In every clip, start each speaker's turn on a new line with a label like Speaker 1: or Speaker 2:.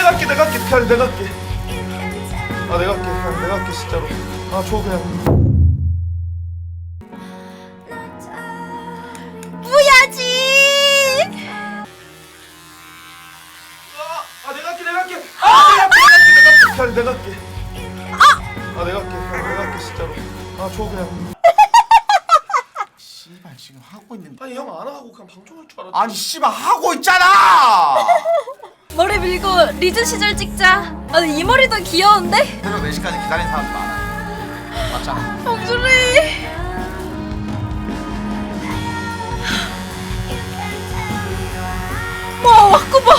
Speaker 1: 내가 할게 그냥 내가 할게. 아 내가 할게 그냥 내가 할게 진짜로. 아 줘 그냥.
Speaker 2: 뭐야지?
Speaker 1: 아 내가 할게 내가 할게. 아 내가 할게 그냥 내가 할게. 아 내가 할게 그냥 내가 할게 진짜로. 아 줘 그냥.
Speaker 3: 씨발 지금 하고 있는데.
Speaker 1: 아니 형 안 하고 그냥 방종할 줄 알았지.
Speaker 3: 아니 씨발 하고 있잖아.
Speaker 2: 머리 밀고 리즈 시절 찍자. 아니 이 머리도 귀여운데?
Speaker 3: 새벽 4시까지 기다린 사람도 많아. 맞잖아.
Speaker 2: 봉준이. 와 왔구봐.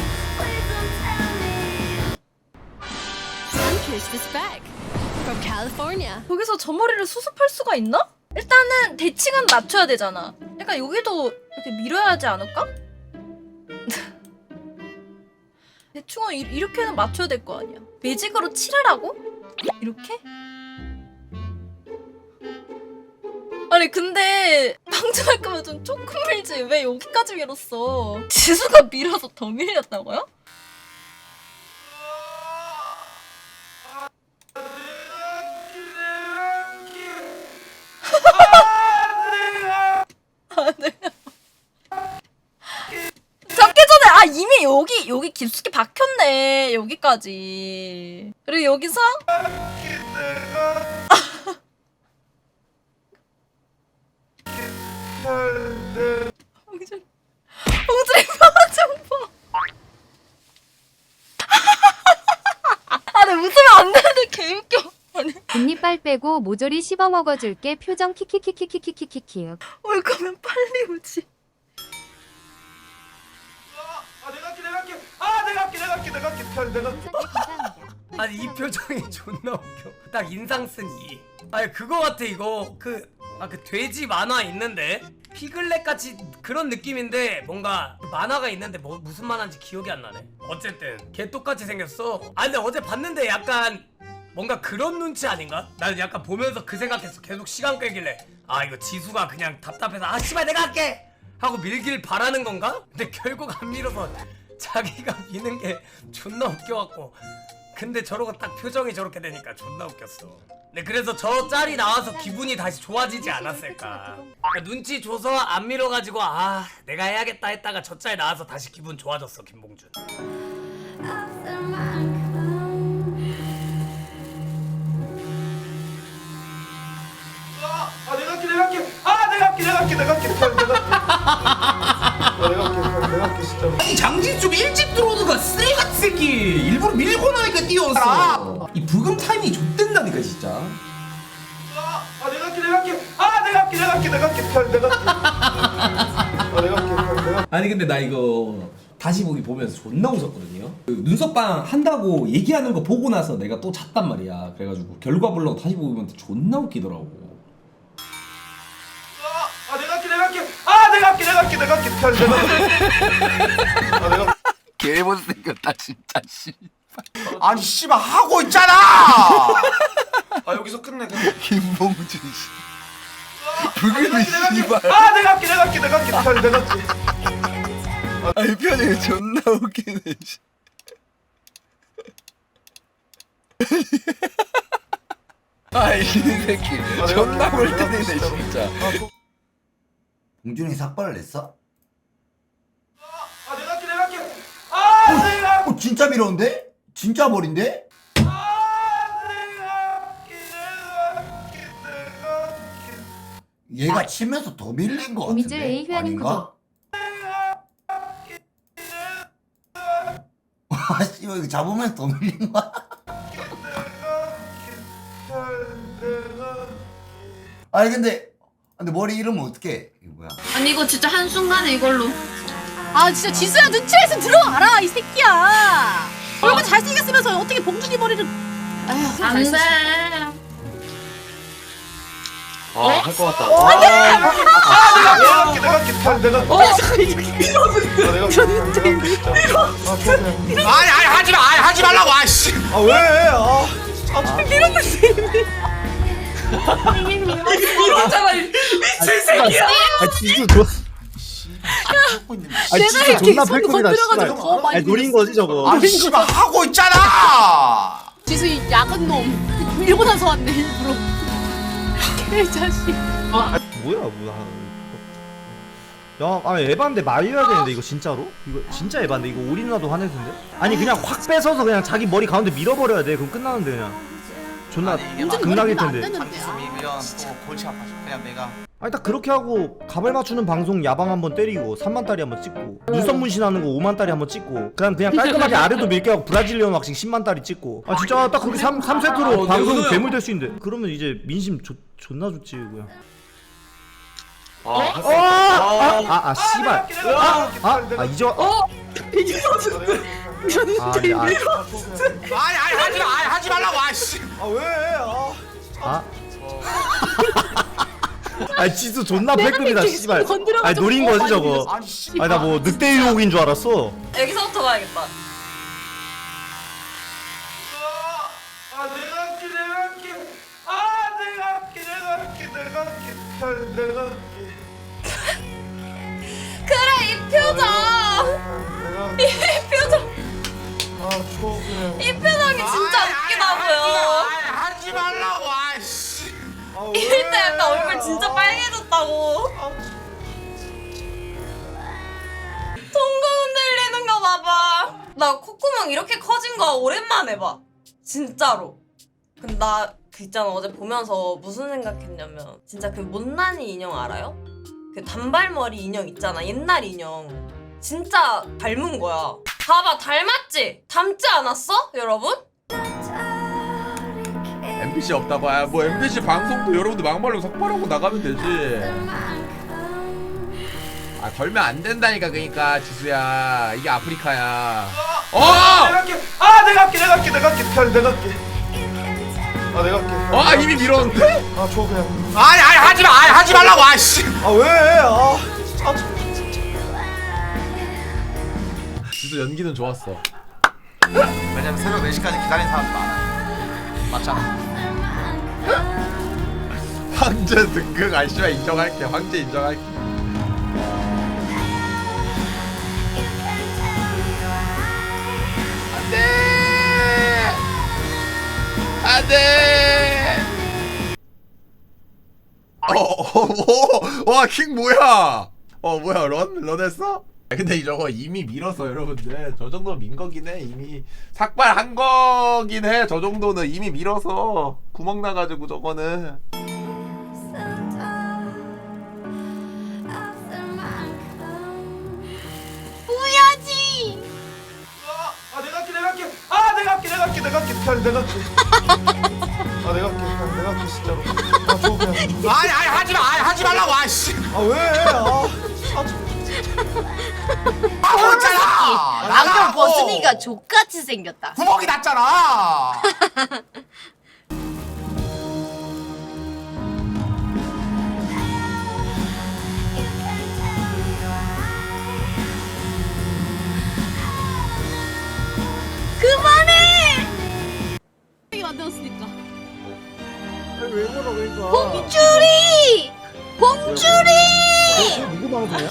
Speaker 4: Sunkist is back from California.
Speaker 2: 여기서 저 머리를 수습할 수가 있나? 일단은 대칭은 맞춰야 되잖아. 약간 여기도 이렇게 밀어야 하지 않을까? 대충은 이렇게는 맞춰야 될 거 아니야. 매직으로 칠하라고? 이렇게? 아니 근데 방송할 거면 좀 조금 밀지 왜 여기까지 밀었어? 지수가 밀어서 더 밀렸다고요? 잡기 전에 아 이미 여기 깊숙이 박혔네 여기까지. 그리고 여기서 봉준이 표정 봐. 아, 나 웃으면 안 되는데 개웃겨. 아니
Speaker 5: 금리빨 빼고 모조리 씹어 먹어줄게. 표정 키키키키키키키키.
Speaker 2: 올 거면 빨리 오지.
Speaker 1: 아 내가 할게 내가 할게. 아 내가 할게 내가 할게 내가 할게 그냥 내가 할게.
Speaker 5: 감사합니다.
Speaker 6: 아니 이 표정이 존나 웃겨. 딱 인상 쓴 이. 아니 그거 같아 이거 그 돼지 만화 있는데 피글렛 같이 그런 느낌인데 뭔가 만화가 있는데 뭐 무슨 만화인지 기억이 안 나네. 어쨌든 개 똑같이 생겼어. 아 근데 어제 봤는데 약간 뭔가 그런 눈치 아닌가? 나는 약간 보면서 그 생각했어. 계속 시간 끌길래 아 이거 지수가 그냥 답답해서 아 씨발 내가 할게 하고 밀길 바라는 건가? 근데 결국 안 밀어서 자기가 미는 게 존나 웃겨갖고. 근데 저러고 딱 표정이 저렇게 되니까 존나 웃겼어. 네 그래서 저 짤이 나와서 기분이 다시 좋아지지 않았을까. 그러니까 눈치 줘서 안 밀어가지고 아 내가 해야겠다 했다가 저 짤 나와서 다시 기분 좋아졌어 김봉준.
Speaker 1: 아 내가 할게 내가 할게. 아 내가 할게 내가 할게 내가 할게 그냥 내가 할게. 아 내가 할게 그냥 내가 할게 진짜로.
Speaker 7: 이 장진 좀 일찍 들어오는가 쓰레기 같은 새끼 일부러 밀고 나니까 뛰어왔어. 이 부금 타이밍이 좆된다니까 진짜.
Speaker 1: 아 내가 할게 내가 할게. 아 내가 할게 내가 할게 내가 할게 그냥 내가 할게. 아 내가 할게 그냥 내가 할게.
Speaker 7: 아니 근데 나 이거 다시 보기 보면서 존나 웃었거든요. 그 눈썹방 한다고 얘기하는 거 보고 나서 내가 또 잤단 말이야. 그래가지고 결과 보려고 다시 보면 존나 웃기더라고.
Speaker 1: 아 내가 할게 내가 할게. 아 내가 할게 내가 할게 내가 할게 그냥 내가 할게. 아 내가
Speaker 3: 개 못생겼다 진짜 씨. 아니 씨발 하고 있잖아.
Speaker 1: 아 여기서 끝내 그냥.
Speaker 3: 김봉준 씨.
Speaker 1: 아
Speaker 3: 부금이
Speaker 1: 내가 할게
Speaker 3: 씨발.
Speaker 1: 아 내가 할게 내가 할게 내가 할게 그냥 내가 할게.
Speaker 3: 아이 표정이 존나 웃기네 씨. 아이 새끼 존나 볼 때네 진짜.
Speaker 8: 봉준이 삭발을 냈어?
Speaker 1: 아 내가 할게 내가 할게. 아 내가 할게.
Speaker 8: 진짜 미로운데? 진짜 머린데? 얘가 치면서 더 밀린 거
Speaker 5: 오미즈
Speaker 8: 같은데?
Speaker 5: A 회원님
Speaker 8: 아닌가? 아 씨발 이거 잡으면서 더 밀린 거야? 아니 근데 머리 이러면 어떡해? 이거 뭐야?
Speaker 9: 아니 이거 진짜 한순간에 이걸로
Speaker 4: 아 진짜 지수야 눈치에서 들어와라 이 새끼야. 얼굴 잘생겼으면서 어떻게 봉준이 머리를? 아휴
Speaker 9: 안돼.
Speaker 1: 할 것 같다. 아 내가 할게 내가 할게 그냥 내가 할게. 아 내가 할게 그냥 내가 할게 진짜. 아 줘 그냥.
Speaker 3: 아니 하지 마. 하지 말라고 아씨.
Speaker 1: 아 왜? 아
Speaker 6: 이러잖아 미친 새끼야.
Speaker 1: 아 지수 줘.
Speaker 8: 하고 있는데.
Speaker 3: 아니
Speaker 4: 내가
Speaker 3: 진짜
Speaker 4: 이렇게
Speaker 3: 존나
Speaker 4: 손
Speaker 3: 팩급이다
Speaker 4: 건드려가지고
Speaker 3: 씨발.
Speaker 4: 더 많이
Speaker 3: 아니 노린 거지 저거.
Speaker 8: 아니 씨발 하고 있잖아.
Speaker 4: 지수 이 야근 놈 일본에서 왔네 일부러. 개자식.
Speaker 3: 뭐야. 야, 아니 에반데 말려야 되는데 이거 진짜로? 이거 진짜 에반데 이거 우리 누나도 화낼 텐데? 아니 그냥 확 뺏어서 그냥 자기 머리 가운데 밀어버려야 돼. 그럼 끝나는데 그냥. 존나 극락일 텐데.
Speaker 8: 장기수미면 또 골치 아파져. 그냥 내가.
Speaker 3: 아니 딱 그렇게 하고 가발 맞추는 방송 야방 한번 때리고 3만 달이 한번 찍고 눈썹 문신하는 거 5만 달이 한번 찍고 그냥 깔끔하게 아래도 밀게 하고 브라질리언 왁싱 10만 달이 찍고 아 진짜 딱 그렇게 3세트로 방송 괴물 될 수 있는데 그러면 이제 민심 존나 좋지 그냥. 씨발. 이제
Speaker 8: 하지 말라고. 아씨.
Speaker 3: 아니 지수 존나 패급이다 씨발. 아니 노린 거지 저거.
Speaker 8: 아니 씨발.
Speaker 3: 아니 나 뭐 늑대 유혹인 줄 알았어.
Speaker 2: 여기서부터 가야겠다. 그래 이 표정. 이 표정. 이 표정이 진짜 웃기다고요.
Speaker 8: 하지 말라고. 아씨.
Speaker 2: 이럴 때 약간 얼굴 진짜 빨개졌다고. 통금 흔들리는 거 봐봐. 나 콧구멍 이렇게 커진 거 오랜만에 봐. 진짜로. 근데 나 그 있잖아 어제 보면서 무슨 생각했냐면 진짜 그 못난이 인형 알아요? 그 단발머리 인형 있잖아 옛날 인형. 진짜 닮은 거야. 봐봐 닮았지? 닮지 않았어? 여러분?
Speaker 1: MBC 없다고. 뭐 MBC 방송도 여러분들 막말로 삭발하고 나가면 되지. 걸면 안 된다니까. 그러니까 지수야 이게 아프리카야. 내가 할게. 이미 밀었는데?
Speaker 8: 아니 하지 마. 하지 말라고. 아씨.
Speaker 1: 지수 연기는 좋았어.
Speaker 8: 왜냐면 새벽 4시까지 기다린 사람도 많아. 맞잖아.
Speaker 1: 황제 등극. 아씨발 인정할게. 황제 인정할게. 안돼. 와, 킹 뭐야? 뭐야, 런했어? 근데 저거 이미 밀었어, 여러분들. 저 정도 민 거긴 해. 이미 삭발한 거긴 해. 저 정도는 이미 밀어서 구멍 나가지고 저거는.
Speaker 4: 뭐야지?
Speaker 1: 내가 할게 진짜로.
Speaker 8: 아니 하지 마. 하지 말라고. 아씨. 하고 있잖아.
Speaker 4: 안경 벗으니까 족같이 생겼다.
Speaker 8: 구멍이 났잖아.
Speaker 4: 그만해! 이게 만들었으니까.
Speaker 3: 왜 그러 그러니까.
Speaker 4: 봉주리! 봉주리!
Speaker 3: 누구 방송이야?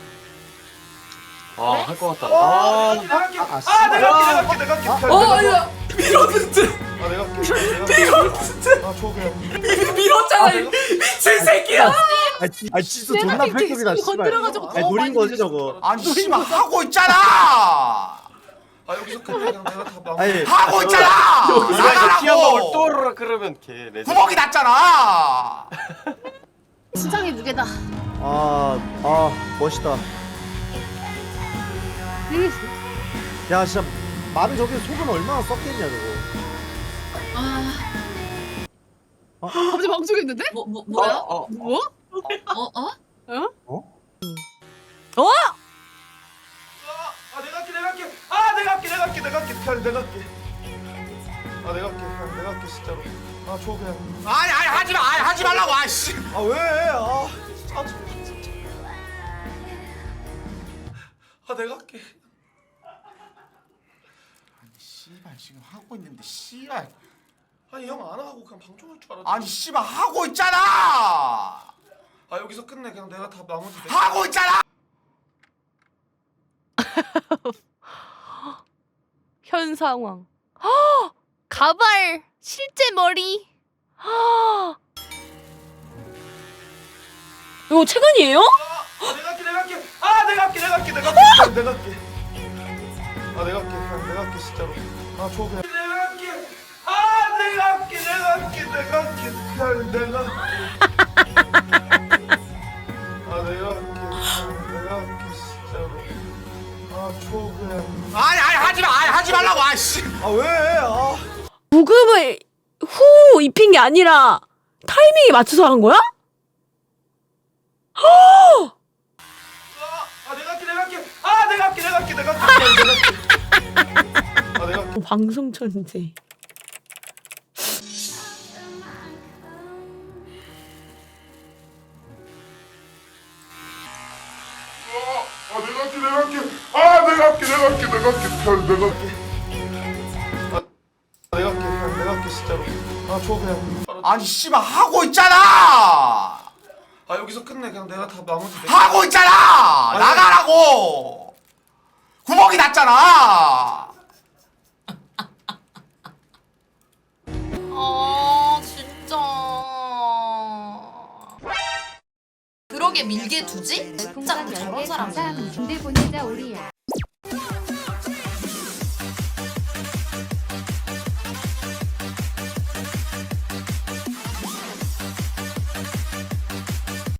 Speaker 1: 할 것 같다.
Speaker 6: 내가 야 밀었잖아 이 미친 새끼야.
Speaker 3: 아니 지수 존나 패급이다 씨발.
Speaker 4: 건드려가지고
Speaker 3: 아니 노린 거지 저거.
Speaker 8: 아니 씨발 하고 있잖아.
Speaker 1: 여기서 끝내. 내가 다 막.
Speaker 3: 아니
Speaker 8: 하고 있잖아. 나가라고.
Speaker 1: 또르르 그러면 걔 레전.
Speaker 8: 구멍이 났잖아.
Speaker 4: 시장의 무게다.
Speaker 3: 멋있다. 야 진짜 말은 저게 속은 얼마나 썩겠냐 저거.
Speaker 4: 갑자기 방송했는데?
Speaker 2: 뭐야?
Speaker 4: 뭐?
Speaker 1: 내가 할게 진짜로. 그냥.
Speaker 8: 아니 하지 마. 하지 말라고. 아씨.
Speaker 1: 내가 할게.
Speaker 8: 씨발 지금 하고 있는데 씨발.
Speaker 1: 아니 형 안 하고 그냥 방송할 줄 알았지.
Speaker 8: 아니 씨발 하고 있잖아.
Speaker 1: 여기서 끝내. 그냥 내가 다 나머지.
Speaker 8: 하고 있잖아.
Speaker 4: 현 상황. 헉! 가발 실제 머리. 헉! 이거 최근이에요?
Speaker 1: 내가 할게 내가 할게 아 내가 할게 내가 할게 내가 할게 내가 할게 아 내가 할게 그냥 내가 할게 진짜로 아 줘 그냥 내가 할게 아 내가 할게 내가 할게 내가 할게 그냥 내가 할게 아 내가 할게 그냥 내가 할게 진짜로 아 줘 그냥 아니 하지마 하지 말라고 아씨 아 왜 아
Speaker 10: 부금을 후 입힌 게 아니라 타이밍에 맞춰서 한 거야?
Speaker 1: 아 내가 할게 내가 할게 아 내가 할게 내가 할게 내가 할게 내가 할게 아 내가 할게
Speaker 10: 방송 천재.
Speaker 1: 아 내가 할게 내가 할게 아 내가 할게 내가 할게 내가 할게 그냥 내가 할게 아 내가 할게 그냥 내가 할게 진짜로 아 줘 그냥 아니 씨발 하고 있잖아 아 여기서 끝내 그냥 내가 다 나머지 하고 있잖아 나가라고 구멍이 났잖아
Speaker 2: 아 진짜 그러게 밀게 두지? 진짜
Speaker 5: 별풍선
Speaker 2: 저런
Speaker 5: 10개
Speaker 2: 사람
Speaker 5: 감사합니다. 군대 보내자 우리야.